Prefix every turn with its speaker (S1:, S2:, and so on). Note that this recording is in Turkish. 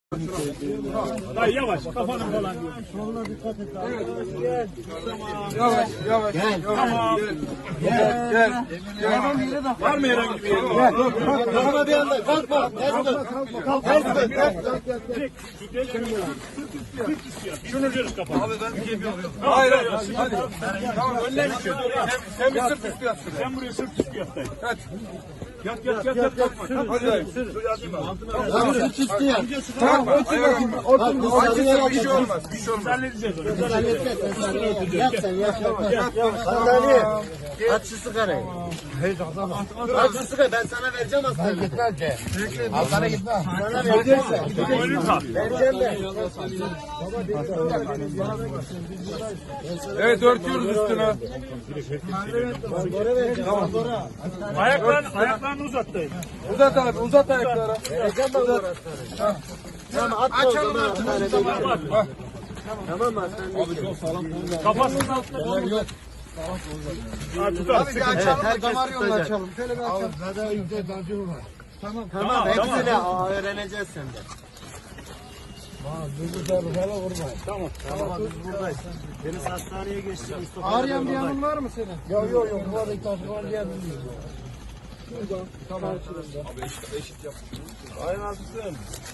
S1: Dayı yavaş kafanı falan diyor.
S2: Soluna dikkat et abi.
S3: Yavaş yavaş.
S2: Gel.
S1: Tamam.
S3: Gel.
S1: Var mı herhangi bir yerin?
S2: Gel. Kalkma bir anda. Kalkma.
S1: Şunu görüş kafanı.
S3: Hayır hayır. Hadi. Tamam önden çık. Sen bir sırt üstü yat.
S1: Sen buraya sırt üstü yat dayı.
S3: Hadi.
S1: Yat.
S3: Hadi dayı.
S2: Tamam. Sırt üstü yap.
S3: Tamam. Acısı bir şey olmaz. Bir şey olmaz.
S1: Halledeceğiz onu.
S2: Halledeceğiz. Yap sen. Yap. Sandalye. Aç şu sigarayı. Aç şu sigarayı. Ben sana vereceğim aslında. Gitmez ki. Sana gitmez. Sana vereceğim ben.
S1: Boynun kal.
S2: Vereceğim ben.
S3: Evet örtüyoruz üstüne.
S2: Tamam.
S1: Ayaklarını uzat dayı.
S3: Uzat abi uzat ayakları.
S2: Vereceğim ben orasını. Tamam at o zaman. Tamam mı?
S1: Kafasının altına koy. Ha, tutar.
S2: Açalım.
S3: Damar yolunu açalım.
S2: Tamam. Hepsini öğreneceğiz senden.
S1: Tamam.
S2: Biz buradayız. Deniz hastaneye geçti.
S3: Ağrıyan bir yanın var mı senin?
S2: Yok. Bu arada taşı var diye bilmiyorum.
S3: Tamam.
S1: Aynen haklısın.